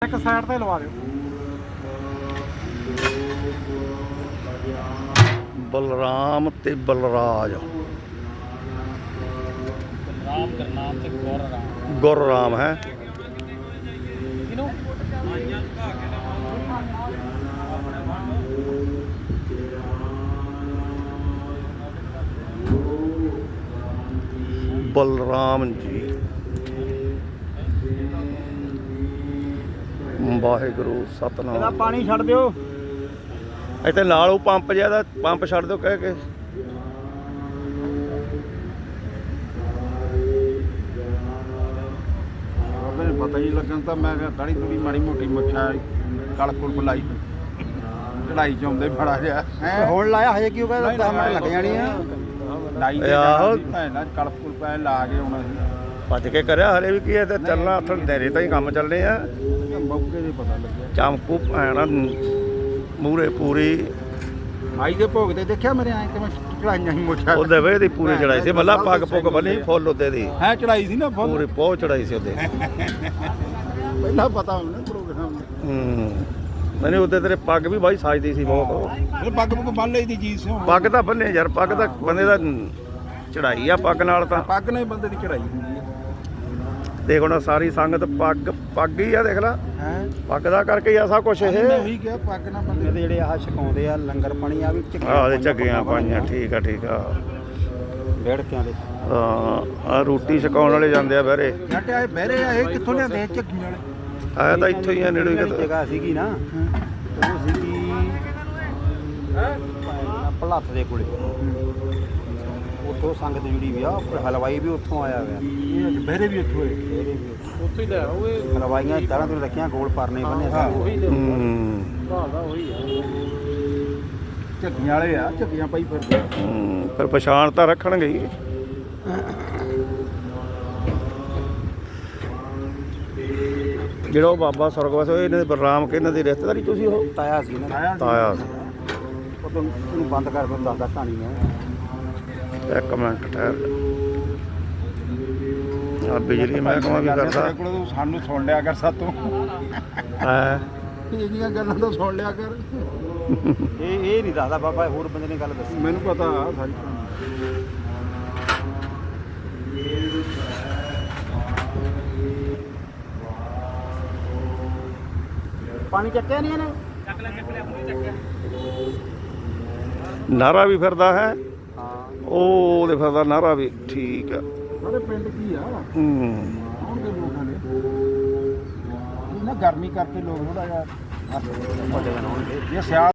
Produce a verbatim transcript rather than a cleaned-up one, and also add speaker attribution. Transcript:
Speaker 1: ਇੱਕ ਸਾਈਡ ਤੇ ਲਵਾ ਦਿਓ।
Speaker 2: ਬਲਰਾਮ ਤੇ ਬਲਰਾਜ
Speaker 3: ਰਾਮ ਕਰਨਾਮ ਤੇ ਗੌਰ ਰਾਮ
Speaker 2: ਗੁਰਰਾਮ ਹੈ।
Speaker 3: ਕਿਨੂੰ
Speaker 2: ਬਲਰਾਮ ਜੀ ਵਾਹਿਗੁਰੂ
Speaker 1: ਇਹਦਾ
Speaker 2: ਸਤਨਾਮ।
Speaker 1: ਪਾਣੀ ਛੱਡ ਦਿਓ।
Speaker 2: ਇੱਥੇ ਨਾਲ ਉਹ ਪੰਪ ਜਿਹਾ ਦਾ ਪੰਪ ਛੱਡ ਦਿਓ ਕਹਿ ਕੇ।
Speaker 4: ਉਹਨੇ ਪਤਾ ਹੀ ਲੱਗਣ ਤਾਂ ਮੈਂ ਕਿਹਾ ਦਾੜੀ ਦੂੜੀ ਮਾੜੀ ਮੋਟੀ ਮੁੱਛਾਂ ਕਲ ਕੁਲ ਬੁਲਾਈ ਚੜਾਈ ਚ ਆਉਂਦੇ ਬੜਾ ਜਿਹਾ
Speaker 1: ਤੇ ਹੁਣ ਲਾਇਆ ਹਜੇ ਕੀ ਹੋ ਗਿਆ? ਦਸ ਮਿੰਟ ਲੱਗ ਜਾਣੀ ਆ।
Speaker 4: ਲਾਈ ਤੇ
Speaker 2: ਆਹੋ।
Speaker 4: ਭੈਣਾ ਕਲ ਕੁਲ ਪੈ ਲਾ ਕੇ ਆਉਣਾ ਸੀ।
Speaker 2: ਭੱਜ ਕੇ ਕਰਿਆ ਹਰੇ ਵੀ ਕੀ ਹੈ ਤੇ ਚੱਲਣਾ ਹੱਥ ਦੇਰੇ ਤਾਂ ਹੀ ਕੰਮ ਚੱਲਣੇ ਆ।
Speaker 4: ਮੌਕੇ ਦੇ ਪਤਾ ਲੱਗਿਆ।
Speaker 2: ਚਮਕੂ ਭੈਣਾ ਮੂਰੇ ਪੂਰੀ
Speaker 4: ਆਈ ਦੇ ਭੋਗ ਤੇ ਦੇਖਿਆ ਮੇਰੇ ਐਂ ਕਿਵੇਂ ਚੜਾਈਆਂ ਸੀ ਮੁੱਛਾਂ
Speaker 2: ਉਹਦੇ ਵੇ ਦੀ ਪੂਰੀ ਚੜਾਈ ਸੀ ਮੱਲਾ ਪੱਗ ਪੁੱਗ ਬੰਨੀ ਫੁੱਲ ਉਹਦੇ ਦੀ
Speaker 4: ਹੈ ਚੜਾਈ ਸੀ ਨਾ ਫੁੱਲ
Speaker 2: ਪੂਰੀ ਪਹੁੰਚ ਚੜਾਈ ਸੀ ਉਹਦੇ।
Speaker 4: ਪਹਿਲਾਂ ਪਤਾ ਹੋਣਾ ਪ੍ਰੋਗਰਾਮ
Speaker 2: ਹੂੰ ਮੈਨੂੰ ਉਹਦੇ ਤੇਰੇ ਪੱਗ ਵੀ ਬਾਈ ਸਾਜਦੀ ਸੀ ਬਹੁਤ।
Speaker 4: ਇਹ ਪੱਗ ਪੁੱਗ ਬੰਨ ਲਈ ਦੀ ਜੀ ਸਿਓ
Speaker 2: ਪੱਗ ਤਾਂ ਬੰਨੇ ਯਾਰ ਪੱਗ ਤਾਂ ਬੰਦੇ ਦਾ ਚੜਾਈ ਆ ਪੱਗ ਨਾਲ ਤਾਂ।
Speaker 4: ਪੱਗ ਨਾਲ ਹੀ ਬੰਦੇ ਦੀ ਚੜਾਈ ਹੁੰਦੀ ਹੈ।
Speaker 2: ਦੇਖ ਹੁਣ ਸਾਰੀ ਸੰਗਤ ਪੱਗ ਪੱਗ ਹੀ ਆ ਦੇਖ ਲੈ
Speaker 1: ਹੈ
Speaker 2: ਪੱਗ ਦਾ ਕਰਕੇ ਹੀ ਆ ਸਭ ਕੁਛ
Speaker 4: ਮੈਂ
Speaker 2: ਇਹ।
Speaker 4: ਉਹੀ ਕਿਹਾ ਪੱਗ ਨਾਲ ਬੰਦੇ
Speaker 1: ਇਹਦੇ ਜਿਹੜੇ ਆਹ ਛਕਾਉਂਦੇ ਆ ਲੰਗਰ ਪਾਣੀ ਆ ਵੀ
Speaker 2: ਆਹ ਦੇ ਝੱਗੀਆਂ ਪਾਈਆਂ ਠੀਕ ਆ ਠੀਕ ਆ।
Speaker 1: ਵੇੜਕਿਆਂ ਦੇ
Speaker 2: ਹਾਂ ਆ ਰੋਟੀ ਛਕਾਉਣ ਵਾਲੇ ਜਾਂਦੇ ਆ ਬਹਿਰੇ।
Speaker 4: ਜੱਟ ਆਏ ਬਹਿਰੇ ਆ ਇਹ ਕਿੱਥੋਂ ਲਿਆਂਦੇ ਝੱਗੀਆਂ ਵਾਲੇ?
Speaker 2: ਆਇਆ ਤਾਂ ਇੱਥੋਂ ਹੀ ਆ ਨੇੜੇ
Speaker 1: ਜਿਹੜੀ
Speaker 2: ਕਿਤੇ।
Speaker 1: ਜਗ੍ਹਾ ਸੀਗੀ ਨਾ ਉਹ ਸੀਗੀ ਭਲੱਥ ਦੇ ਕੋਲੇ। ਉੱਥੋਂ ਸੰਗਤ ਜੁੜੀ ਵੀ ਆ ਹਲਵਾਈ ਵੀ ਉੱਥੋਂ ਆਇਆ ਹੋਇਆ।
Speaker 4: ਇਹ ਬਹਿਰੇ ਵੀ ਇੱਥੋਂ ਹੋਏ।
Speaker 1: ਇਹਦੇ ਵੀ
Speaker 3: ਉੱਥੇ ਹੀ ਲੈ ਓਏ
Speaker 1: ਹਲਵਾਈਆਂ ਦਾਰਾਂ ਤੋਂ ਰੱਖੀਆਂ ਗੋਲ ਪਰਨੇ ਬੰਨੇ
Speaker 3: ਉਹੀ ਲੈ
Speaker 2: ਹੂੰ
Speaker 3: ਭਾਲਦਾ ਉਹੀ ਆ।
Speaker 4: ਝੱਗੀਆਂ ਵਾਲੇ ਆ ਝੱਗੀਆਂ ਪਾਈ ਫਿਰਦੇ।
Speaker 2: ਹੂੰ ਫਿਰ ਪਛਾਣ ਤਾਂ ਰੱਖਣਗੇ ਹੀ। ਜਿਹੜਾ ਉਹ ਬਾਬਾ ਸੁਰਗਵਾਸ ਹੋਏ ਇਹਨਾਂ ਦੇ ਬਲਰਾਮ ਕੇ ਇਹਨਾਂ ਦੀ ਰਿਸ਼ਤੇਦਾਰੀ ਤੁਸੀਂ ਉਹ
Speaker 1: ਤਾਇਆ ਸੀ ਨਾ
Speaker 4: ਆਇਆ ਸੀ।
Speaker 2: ਤਾਇਆ ਸੀ।
Speaker 1: ਉਹ ਤੋਂ ਇਹਨੂੰ ਬੰਦ ਕਰ ਫਿਰ ਦੱਸਦਾ ਕਹਾਣੀ ਮੈਂ।
Speaker 2: ਇੱਕ ਮਿੰਟ ਠਹਿਰ ਆ ਬਿਜਲੀ ਮਹਿਕਮਾ ਵੀ ਕਰਦਾ
Speaker 4: ਤੇਰੇ ਕੋਲੋਂ ਤੂੰ ਸਾਨੂੰ ਸੁਣ ਲਿਆ ਕਰ ਸਾਤੋਂ।
Speaker 2: ਹੈ।
Speaker 4: ਇਹਦੀਆਂ ਗੱਲਾਂ ਤਾਂ ਸੁਣ ਲਿਆ ਕਰ।
Speaker 1: ਇਹ ਇਹ ਨਹੀਂ ਦੱਸਦਾ ਬਾਬਾ, ਹੋਰ ਬੰਦੇ ਨੇ ਗੱਲ ਦੱਸੀ।
Speaker 4: ਮੈਨੂੰ ਪਤਾ ਆ ਸਾਰੀ।
Speaker 1: ਪਾਣੀ ਚੱਕਿਆ ਨਹੀਂ ਇਹਨੇ?
Speaker 3: ਚੱਕ ਲੈ ਚੱਕ ਲੈ ਉਹਨੇ ਚੱਕਿਆ।
Speaker 2: ਨਾਰਾ ਵੀ ਫਿਰਦਾ ਹੈ
Speaker 1: ਹਾਂ
Speaker 2: ਉਹ ਉਹਦੇ ਫਿਰਦਾ ਨਾਰਾ ਵੀ ਠੀਕ ਆ।
Speaker 4: ਸਾਡੇ ਪਿੰਡ ਕੀ ਆ
Speaker 2: ਹੂੰ
Speaker 4: ਆਉਣਗੇ ਲੋਕਾਂ ਨੇ ਇਹ ਨਾ ਗਰਮੀ ਕਰਕੇ ਲੋਕ ਥੋੜਾ ਜਿਹਾ
Speaker 1: ਵੱਡੇ ਦਿਨ ਹੋਣਗੇ।
Speaker 4: ਇਹ ਸਿਆਲ